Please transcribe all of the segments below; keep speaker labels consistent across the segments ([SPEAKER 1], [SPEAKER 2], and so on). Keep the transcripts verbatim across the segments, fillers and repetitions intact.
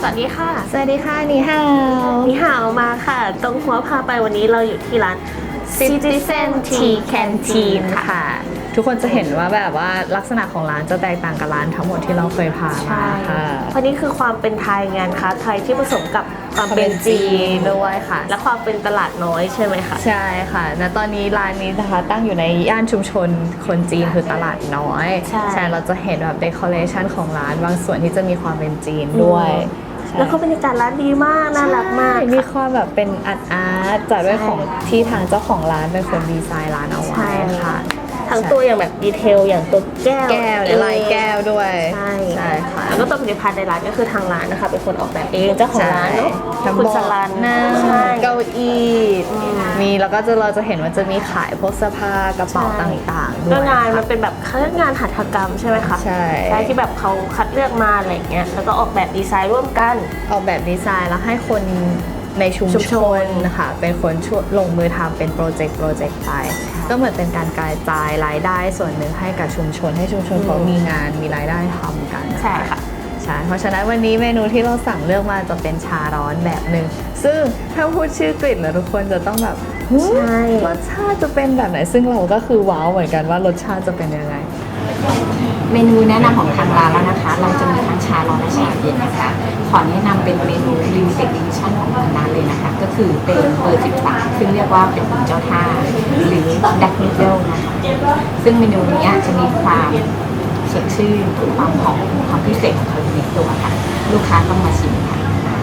[SPEAKER 1] สวัสดีค่ะ
[SPEAKER 2] สวัสดีค่ะนี่ฮาว
[SPEAKER 1] นี่ฮาวมาค่ะตรงหัวพาไปวันนี้เราอยู่ที่ร้าน Citizen Tea Canteen ค่ะ
[SPEAKER 2] ทุกคนจะเห็นว่าแบบว่าลักษณะของร้านจะแตกต่างกับร้านทั้งหมดที่เราเคยพามาค่ะ
[SPEAKER 1] เพราะนี่คือความเป็นไทยงานค้าไทยที่ผสมกับความเป็นจีนด้วยค่ะและความเป็นตลาดน้อยใช่ไหมคะ
[SPEAKER 2] ใช่ค่ะและตอนนี้ร้านนี้นะคะตั้งอยู่ในย่านชุมชนคนจีนคือตลาดน้อยใช่เราจะเห็นแบบเดคอเรชันของร้านบางส่วนที่จะมีความเป็นจีนด้วย
[SPEAKER 1] แล้วก็บรรยากาศร้านดีมากน่ารักมาก
[SPEAKER 2] มีความแบบเป็นอาร์ตอาร์ตจากด้วยของที่ทางเจ้าของร้านเป็นคนดีไซน์ร้านเอาไว้ค่ะ
[SPEAKER 1] ทั้งตัวอย่างแบบดีเทลอย่างตัวแก้ว
[SPEAKER 2] แก้วลายแก้วด้วย
[SPEAKER 1] ใช่ใช่ค่ะแล้วก็ตัวผลิตภัณฑ์ในร้านก็คือทางร้านนะคะเป็นคนออกแบบเองเจ้าของร้านเนาะคุณสลัน
[SPEAKER 2] นะเก้าอี้มีแล้วก็จะเราจะเห็นว่าจะมีขายพวกเสื้อผ้ากระเป๋าต่างๆด้วย
[SPEAKER 1] ก็งานมันเป็นแบบงานหัตถกรรมใช่ไหมคะ
[SPEAKER 2] ใช่
[SPEAKER 1] ใช่ที่แบบเขาคัดเลือกมาอะไรเงี้ยแล้วก็ออกแบบดีไซน์ร่วมกัน
[SPEAKER 2] ออกแบบดีไซน์แล้วให้คนในชุมชนนะคะเป็นคนช่วยลงมือทำเป็นโปรเจกต์โปรเจกต์ไปก็เหมือนเป็นการกระจายรายได้ส่วนหนึ่งให้กับชุมชนให้ชุมชนเขามีงานมีรายได้ทำกัน
[SPEAKER 1] ใช่ค่ะ
[SPEAKER 2] ใช่เพราะฉะนั้นวันนี้เมนูที่เราสั่งเลือกมาจะเป็นชาร้อนแบบหนึ่งซึ่งถ้าพูดชื่อกลิ่นแล้วทุกคนจะต้องแบบ
[SPEAKER 1] ใช่
[SPEAKER 2] รสชาติจะเป็นแบบไหนซึ่งเราก็คือว้าวเหมือนกันว่ารสชาติจะเป็นยังไง
[SPEAKER 3] เมนูแนะนำของทางร้านแล้วนะคะเราจะมีทั้งชาร้อนและชาเย็นนะคะขอแนะนำเป็นเมนู Limited Edition ของทางร้านเลยนะคะก็คือเป็นเบอร์สิบสามซึ่งเรียกว่าเป็นเจ้าท่าหรือ Black Middle นะคะซึ่งเมนูนี้จะมีความสดชื่นความหอมความพิเศษของเขาในตัวค่ะลูกค้าต้องมาชิมค่ะ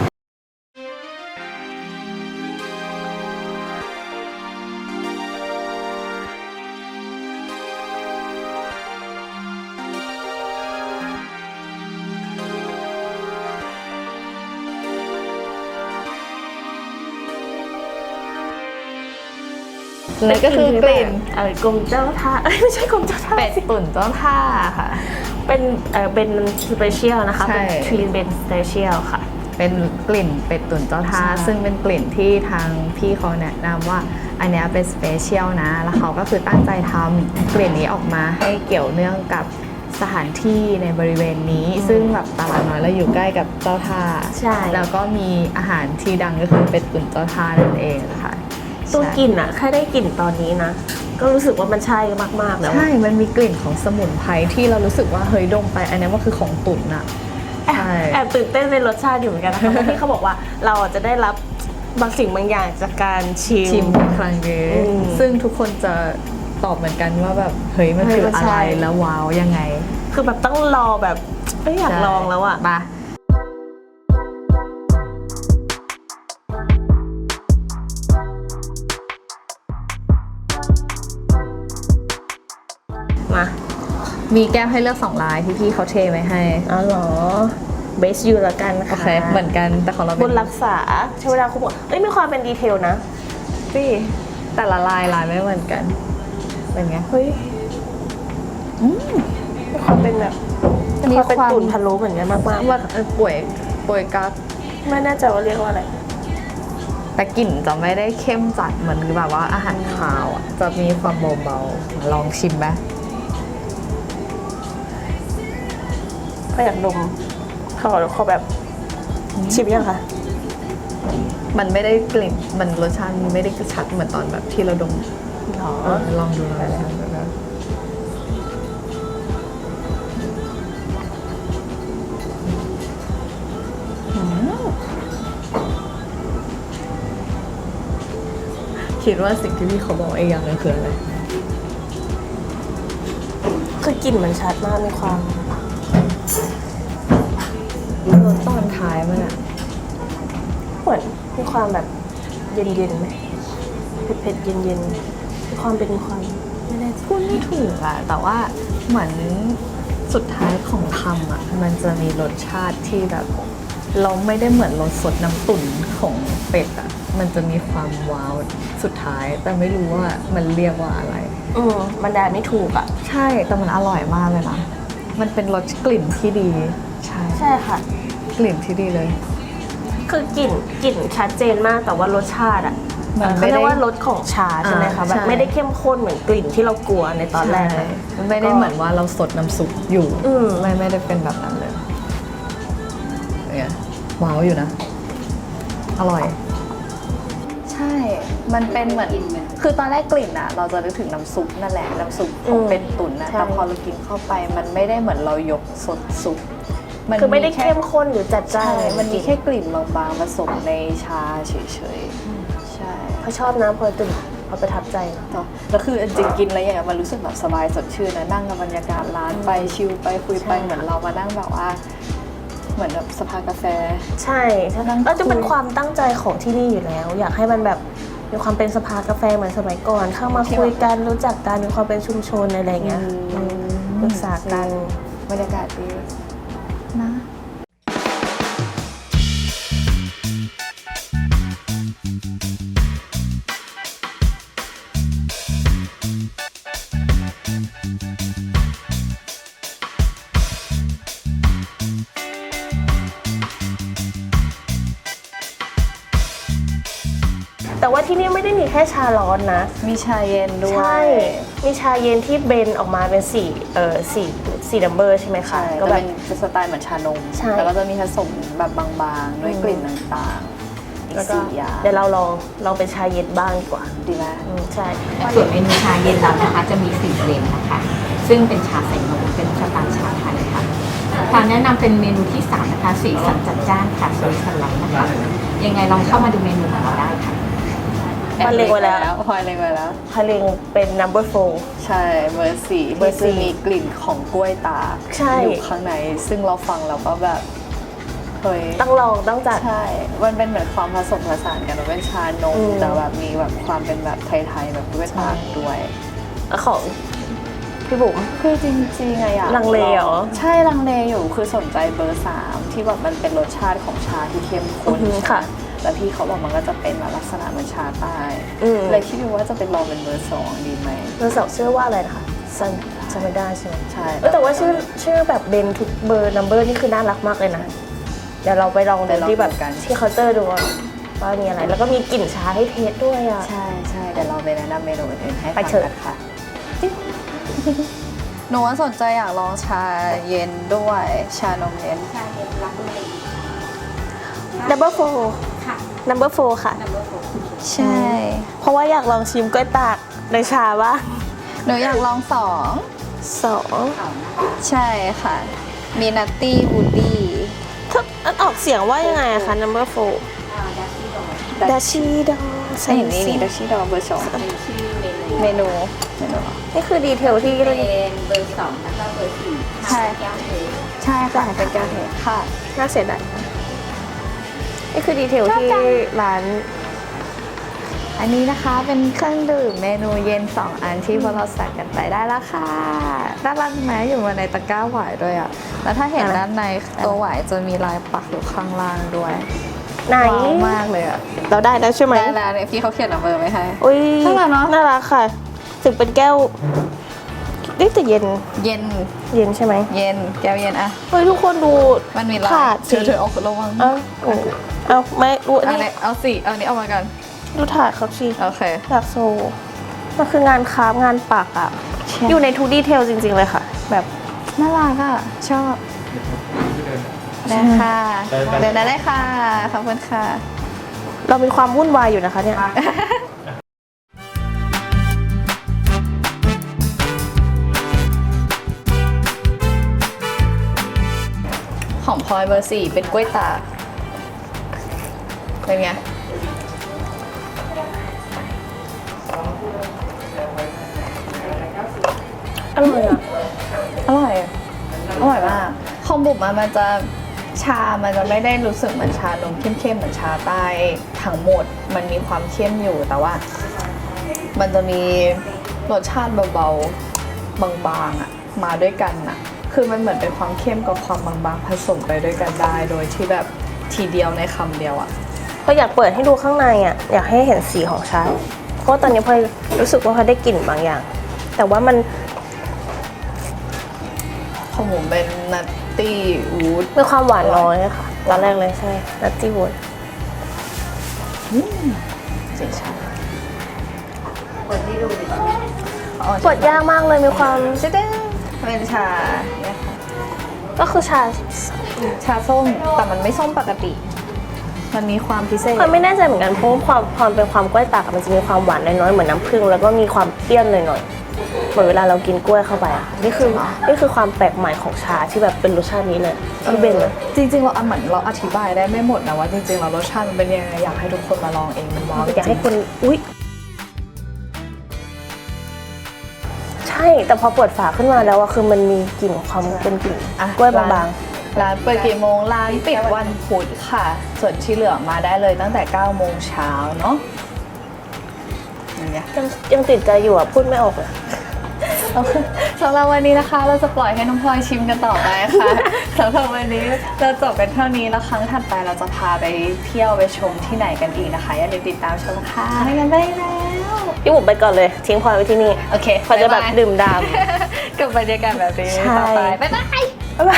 [SPEAKER 2] เลยก็คือกลิ่น
[SPEAKER 1] เออกรมเจ้าท่าไม่ใช่กรมเจ้าท่า
[SPEAKER 2] เป็ดตุ๋นเจ้าท่าค่ะ
[SPEAKER 1] เป็นเออเป็นสเปเชียลนะคะเป็นทรีนเป็นสเปเชียลค่ะ
[SPEAKER 2] เป็นกลิ่นเป็ดตุ๋นเจ้าท่าซึ่งเป็นกลิ่นที่ทางพี่เขาแนะนำว่าอันนี้เป็นสเปเชียลนะแล้วเขาก็คือตั้งใจทำกลิ่นนี้ออกมาให้เกี่ยวเนื่องกับสถานที่ในบริเวณนี้ซึ่งแบบตลาดน้อยแล้วอยู่ใกล้กับเจ้าท่า
[SPEAKER 1] ใช่
[SPEAKER 2] แล้วก็มีอาหารที่ดังก็คือเป็ดตุ๋นเจ้าท่านั่นเองค่ะ
[SPEAKER 1] ตัวกลิ่นอะแค่ได้กลิ่นตอนนี้นะก็รู้สึกว่ามันใช่มากๆแล้ว
[SPEAKER 2] ใช่มันมีกลิ่นของสมุนไพรที่เรารู้สึกว่าเฮ้ยดมไปอันนี้ว่าคือของตุ๋นอะ
[SPEAKER 1] ใช่แอบตื่นเต้นในรสชาติอยู่เหมือนกันนะคะเพราะที่เขาบอกว่าเราจะได้รับบางสิ่งบางอย่างจากการชิม
[SPEAKER 2] ชิมครั้งนี้ซึ่งทุกคนจะตอบเหมือนกันว่าแบบเฮ้ยมันคืออะไรแล้วว้าวยังไง
[SPEAKER 1] คือแบบต้องรอแบบไม่อยากลองแล้วอะ
[SPEAKER 2] มา
[SPEAKER 1] มา
[SPEAKER 2] มีแก้วให้เลือกสองลายที่พี่เขาเทไว้ให้
[SPEAKER 1] อ๋อเหรอเบสยูละกันค่ะ
[SPEAKER 2] โอเคเหมือนกันแต่ของเรา
[SPEAKER 1] บนรักษาใช้เวลาคุณบอกเอ้ยมีความเป็นดีเทลนะ
[SPEAKER 2] พี่แต่ละลายลายไม่เหมือนกันเป็นไง
[SPEAKER 1] เฮ้ยอืมมีความเป็นแบบมีความเป็นตุ๋นพะโล้เหมือนกันมากมาก
[SPEAKER 2] ว่าป่วยป่วยกั๊ก
[SPEAKER 1] ไม่แน่ใจว่าเรียกว่าอะไร
[SPEAKER 2] แต่กลิ่นจะไม่ได้เข้มจัดเหมือนแบบว่าอาหารคาวอ่ะจะมีความเบาๆลองชิมไหม
[SPEAKER 1] ก็อยากดมขอขอแบบชิมยังคะ
[SPEAKER 2] มันไม่ได้กลิ่นมันรสชาติมันไม่ได้ชัดเหมือนตอนแบบที่เราดม
[SPEAKER 1] หรอ
[SPEAKER 2] ลองดูหน่อยคิดว่าสิ่งที่พี่เขาบอกไอ้อย่างนึงคืออะไร
[SPEAKER 1] คือกลิ่นมันชัดมากมีความ
[SPEAKER 2] รสตอนท้ายมันอะ
[SPEAKER 1] เหมือนมีความแบบเย็นๆไหมเผ็ดๆเย็นๆมีความเป็นความ
[SPEAKER 2] ไม่ได้พูดไม่ถูกอะแต่ว่าเหมือนสุดท้ายของทำอะมันจะมีรสชาติที่แบบเราไม่ได้เหมือนรสสดน้ำตุ๋นของเป็ดอะมันจะมีความว้าวสุดท้ายแต่ไม่รู้ว่ามันเรียกว่าอะไร
[SPEAKER 1] อืมมันได้ไม่ถูกอะ
[SPEAKER 2] ใช่แต่มันอร่อยมากเลยนะมันเป็นรสกลิ่นที่ดีใช่
[SPEAKER 1] ใช่ค่ะ
[SPEAKER 2] กลิ่นที่ดีเลย
[SPEAKER 1] คือกลิ่นกลิ่นชัดเจนมากแต่ว่ารสชาติอะเขาเรียกว่ารสของชาใช่ไหมคะแบบไม่ได้เข้มข้นเหมือนกลิ่นที่เรากลัวในตอนแรก
[SPEAKER 2] มันไม่ได้เหมือนว่าเราสดน้ำซุปอยู่ไม่ไม่ได้เป็นแบบนั้นเลยเนี่ยว้าวอยู่นะ อร่อย ใช่ มันเป็นเหมือน คือตอนแรกกลิ่นอะเราจะนึกถึงน้ำซุปนั่นแหละ น้ำซุปของเป็ดตุ๋นนะ
[SPEAKER 1] ใช่
[SPEAKER 2] แต่พอเรากินเข้าไป มันไม่ได้เหมือนเรายกสดซุป
[SPEAKER 1] คือไม่ได้
[SPEAKER 2] แค่
[SPEAKER 1] เข้มข้นหรือจัดจ้า
[SPEAKER 2] ใช่
[SPEAKER 1] น
[SPEAKER 2] มันมีแค่กลิ่นบางๆผสมในชาเฉยๆ ใช่
[SPEAKER 1] เขาชอบนะพอตื่นเขาประทับใจ
[SPEAKER 2] เนาะแล้วคือจริงๆกินอะไรอย่างเงี้ยมันรู้สึกแบบสบายสดชื่นนะนั่งกับบรรยากาศร้านไปชิลไปคุยไป
[SPEAKER 1] ใช่
[SPEAKER 2] เหมือนเรามานั่งแบบว่า เหมือนแบบสภากาแฟ
[SPEAKER 1] ใช่แล้วจะเป็นความตั้งใจของที่นี่อยู่แล้ว อยากให้มันแบบมีความเป็นสภากาแฟเหมือนสมัยก่อน เข้ามาคุยกันรู้จักกันมีความเป็นชุมชนอะไรอย่างเงี้ย
[SPEAKER 2] อืม
[SPEAKER 1] อืมปรึกษากัน
[SPEAKER 2] บรรยากาศดีนะ
[SPEAKER 1] แต่ว่าที่นี่ไม่ได้มีแค่ชาร้อนนะ
[SPEAKER 2] มีชาเย็นด้วย
[SPEAKER 1] ใช่ มีชาเย็นที่เบนออกมาเป็นสี่เออสี่สี่ดัมเบอร์ใช่ไหมคะ
[SPEAKER 2] ใช่
[SPEAKER 1] ก็
[SPEAKER 2] ก็
[SPEAKER 1] แบ
[SPEAKER 2] เป็
[SPEAKER 1] บ
[SPEAKER 2] นสไตล์เหมือนชานม
[SPEAKER 1] ใช่
[SPEAKER 2] แล้วก็จะมีผสมแบบบางๆ ด้วยกลิ่นต่างๆ อีก
[SPEAKER 1] แล้วก็
[SPEAKER 2] สี่อย่าง
[SPEAKER 1] เดี๋ยวเราลองลองเป็นชาเย็นบ้างดีกว่า
[SPEAKER 2] ดีไหม
[SPEAKER 1] อืมใช่
[SPEAKER 3] ส่วนเมนูชาเย็นเรานะคะจะมีสี่เบรนด์นะคะ ซึ่งเป็นชาใส่นมเป็นสไตล์ชาไทยค่ะทางแนะนำเป็นเมนูที่สามนะคะสีสันจัดจ้านค่ะสวยสไลด์นะคะ ยังไงลองเข้ามาดูเมนูของเราได้ค่ะ
[SPEAKER 1] พอเล็งไว้แล้ว
[SPEAKER 2] พอเล็งไว้แล้ว
[SPEAKER 1] พาเลงเป็น number four
[SPEAKER 2] ใช่เบอร์สี่
[SPEAKER 1] เบอ
[SPEAKER 2] ที่
[SPEAKER 1] ร์สี่
[SPEAKER 2] จะมีกลิ่นของกล้วยตาก
[SPEAKER 1] ใช่
[SPEAKER 2] อยู่ข้างใน ซึ่งเราฟังเราก็แบบเฮ้ย
[SPEAKER 1] ต้องลองต้องจัด
[SPEAKER 2] ใช่ มันเป็นเหมือนความผสมผสานกันมันเป็นชานม
[SPEAKER 1] อืม
[SPEAKER 2] แต่แบบมีแบบความเป็นแบบไทยๆแบบกล้วยตากด้วย
[SPEAKER 1] ของพี่บุ๋ม
[SPEAKER 2] คือจริงๆอะอยาก
[SPEAKER 1] ลังเลเหรอ
[SPEAKER 2] ใช่ลังเลอยู่คือสนใจเบอร์สามที่แบบมันเป็นรสชาติของชาที่เข้มข้น
[SPEAKER 1] อือฮึ
[SPEAKER 2] ใช่ไหม
[SPEAKER 1] ค่ะ
[SPEAKER 2] แล้วพี่เขาบอกมันก็จะเป็นแบบลักษณะเหมือนชาใต้
[SPEAKER 1] อืม
[SPEAKER 2] เลยคิดอยู่ว่าจะเป็นลองเป็นเบอร์สองดีไหม
[SPEAKER 1] เราสอบชื่อว่าอะไรนะคะซันจำไม่ได้ใช่ไหม
[SPEAKER 2] ใช่
[SPEAKER 1] เออแต่ว่าชื่อชื่อแบบเบนทุกเบอร์ number นี่คือน่ารักมากเลยนะ เดี๋ยวเราไปลองดูที่แบบที่เคาน์เตอร์ดูว่าว่ามีอะไร แล้วก็มีกลิ่นชาให้เทสด้วยอ่ะ
[SPEAKER 2] ใช่ใช่เดี๋ยวเราไปแนะนำเมนูอื่นๆให้
[SPEAKER 1] ไป
[SPEAKER 2] ฟัง
[SPEAKER 1] เถอะ
[SPEAKER 2] กันค่ะ หนูว่าสนใจอยากลองชาเย็นด้วย ชานมเย็น
[SPEAKER 3] ชาเย็นรับเลย
[SPEAKER 1] number four
[SPEAKER 3] ค่ะ
[SPEAKER 1] number four ค่ะ
[SPEAKER 3] number four
[SPEAKER 2] ใช่
[SPEAKER 1] เพราะว่าอยากลองชิมกล้วยตากในชาบ้าง
[SPEAKER 2] หนูอยากลองสอง
[SPEAKER 1] สอง
[SPEAKER 2] ใช่ค่ะ มีนัตตี้วูดดี้
[SPEAKER 1] ถ้าอันออกเสียงว่ายังไงอะคะ number four ดาชิดอ
[SPEAKER 2] ใช่นี่นี่ดัชชี่ดอเบอร์สอง
[SPEAKER 3] เป็นชื่อเมนู
[SPEAKER 2] เมนูเมนูเหรอ
[SPEAKER 1] นี่คือดีเทลที่
[SPEAKER 3] เป็นเบอร์สองแล้วก็เบอร์สี่
[SPEAKER 2] ใช่
[SPEAKER 3] แก้วเท
[SPEAKER 2] ใช่ค่ะเป็นแก้วเทค่ะ
[SPEAKER 1] น่าเสียดายนี่คือดีเทลที่ร้าน
[SPEAKER 2] อันนี้นะคะเป็นเครื่องดื่มเมนูเย็น สอง อันที่พวกเราสั่งกันไปได้แล้วค่ะด้านล่างไหมอยู่มาในตะกร้าหวายด้วยอ่ะ แล้วถ้าเห็น
[SPEAKER 1] อะไร
[SPEAKER 2] ด้านในตัวหวายจะมีลายปักอยู่ข้างล่างด้วย
[SPEAKER 1] ไหน
[SPEAKER 2] ว้าวมากเลยอ่ะ
[SPEAKER 1] เราได้แล้วใช่ไหม
[SPEAKER 2] ได้แล้วเนี่ยพี่เขาเขียนนัมเบอร์ไว้ให้
[SPEAKER 1] อุ้ย
[SPEAKER 2] น่ารักเนอะ
[SPEAKER 1] น่ารักค่ะ ถึงเป็นแก้วนี่แต่เย็น
[SPEAKER 2] เย็น
[SPEAKER 1] เย็นใช่ไหม
[SPEAKER 2] เย็นแก้วเย็นอะ
[SPEAKER 1] เฮ้ยทุกคนดู
[SPEAKER 2] มันมีลาย
[SPEAKER 1] ถาด
[SPEAKER 2] เธ
[SPEAKER 1] สิ
[SPEAKER 2] อเธอเอาระวัง
[SPEAKER 1] เอ้าโอ้เอาไม่ดูอัน
[SPEAKER 2] เอา
[SPEAKER 1] นี้
[SPEAKER 2] เนี่ยเอาสิเอานี้เอามากัน
[SPEAKER 1] ดูถาดเขาสิ
[SPEAKER 2] โอเค
[SPEAKER 1] อยากโซมันคืองานคราฟต์งานปักอะอยู่ในทุกดีเทลจริง ๆ เลยค่ะ แบบ
[SPEAKER 2] น่ารักอ่ะ ชอบได้ค่ะเดินได้เลยค่ะ ขอบคุณค่ะ
[SPEAKER 1] เรามีความวุ่นวายอยู่นะคะเนี่ย
[SPEAKER 2] ของพลอยเบอร์สี่เป็นกล้วยตากเป็นไง
[SPEAKER 1] อร่อยอะ
[SPEAKER 2] อร่อย อร่อยมากของบุ๋มอะมันจะชา มันจะไม่ได้รู้สึกเหมือนชานมเข้มๆเหมือนชาใต้ทั้งหมด มันมีความเข้มอยู่แต่ว่า มันจะมีรสชาติเบาๆ บางๆอะมาด้วยกันอะคือมันเหมือนเป็นความเข้มกับความบางๆผสมไปด้วยกันได้ โดยที่แบบทีเดียวในคำเดียวอะ
[SPEAKER 1] พออยากเปิดให้ดูข้างในอ่ะ อยากให้เห็นสีของชา เพราะว่าตอนนี้พลอยรู้สึกว่าเขาได้กลิ่นบางอย่าง แต่ว่ามัน
[SPEAKER 2] ของผมเป็นนัตตี้วูด
[SPEAKER 1] มีความหวานน้อยอะค่ะ ตอนแรกเลยใช่นัตตี้วูด
[SPEAKER 2] สีชา
[SPEAKER 3] เปิดให้ดูดิ
[SPEAKER 1] เปิดยากมากเลยมีความ
[SPEAKER 2] จะได้เป็นชาเนี่ยค่ะ
[SPEAKER 1] ก็คือชา
[SPEAKER 2] ชาส้มแต่มันไม่ส้มปกติ มันมีความพิเศษ
[SPEAKER 1] ความไม่แน่ใจเหมือนกันเพราะว่าความความเป็นความกล้วยตากอะมันจะมีความหวานน้อยๆเหมือนน้ำผึ้งแล้วก็มีความเปรี้ยวหน่อยๆเหมือนเวลาเรากินกล้วยเข้าไปอ่ะนี่คือนี่คือความแปลกใหม่ของชาที่แบบเป็นรสชาตินี้เลยที่เป็นเลย
[SPEAKER 2] จริงๆเราเหมือนเราอธิบายได้ไม่หมดนะว่าจริงๆเรารสชาติมันเป็นยังไงอยากให้ทุกคนมาลองเองมันว้าว
[SPEAKER 1] อยากให้คนอุ๊ยใช่แต่พอเปิดฝาขึ้นมาแล้วอะคือมันมีกลิ่นความเป็นกลิ่น
[SPEAKER 2] อ่ะ
[SPEAKER 1] กล้วยบาง
[SPEAKER 2] ร้านเปิดกี่โมงร้านปิดวันพุธค่ะ ส่วนที่เหลือมาได้เลยตั้งแต่เก้าโมงเช้าเนาะอย่างเงี้ย
[SPEAKER 1] ๆยังยังติดใจอยู่อะพูดไม่ออกเลย
[SPEAKER 2] สำหรับวันนี้นะคะ เราจะปล่อยให้น้องพลอยชิมกันต่อไปค่ะ สำหรับวันนี้เราจบกันเท่านี้แล้วครั้งถัดไปเราจะพาไปเที่ยวไปชมที่ไหนกันอีกนะคะอย่าลืมติดตามชมค่ะไปกันได้แล้ว
[SPEAKER 1] พี่บุ๋มไปก่อนเลยทิ้งพลอยไว้ที่นี่
[SPEAKER 2] โอเค
[SPEAKER 1] พลอยจะแบบดื่มด่
[SPEAKER 2] กับบรรยากาศแบบนี้
[SPEAKER 1] ใช่
[SPEAKER 2] ต่อไปบ๊ายบาย
[SPEAKER 1] ำบ๊ายบาย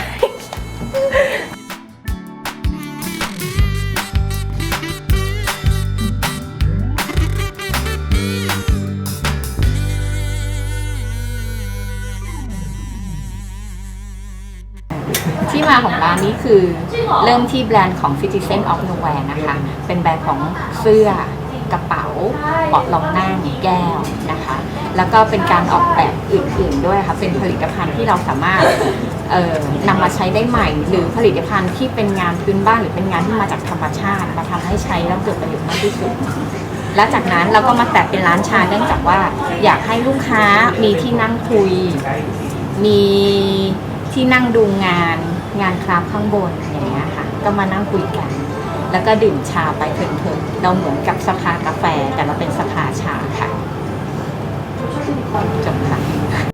[SPEAKER 3] ที่มาของร้านนี้คือเริ่มที่แบรนด์ของ Citizen of Nowhere นะคะ เป็นแบรนด์ของเสื้อกระเป๋าเบาะรองนั่งแก้วนะคะ แล้วก็เป็นการออกแบบอื่นๆด้วยค่ะ เป็นผลิตภัณฑ์ที่เราสามารถเอ่อนำมาใช้ได้ใหม่ หรือผลิตภัณฑ์ที่เป็นงานพื้นบ้านหรือเป็นงานที่มาจากธรรมชาติมาทำให้ใช้แล้วเกิดประโยชน์มากที่สุด และจากนั้นเราก็มาแตะเป็นร้านชาเนื่องจากว่าอยากให้ลูกค้ามีที่นั่งคุย มีที่นั่งดูงานงานคราฟต์ข้างบนอย่างเงี้ยค่ะ ก็มานั่งคุยกัน แล้วก็ดื่มชาไปเพลินๆเราเหมือนกับสภากาแฟแต่เราเป็นสภาชาค่ะจบค่ะ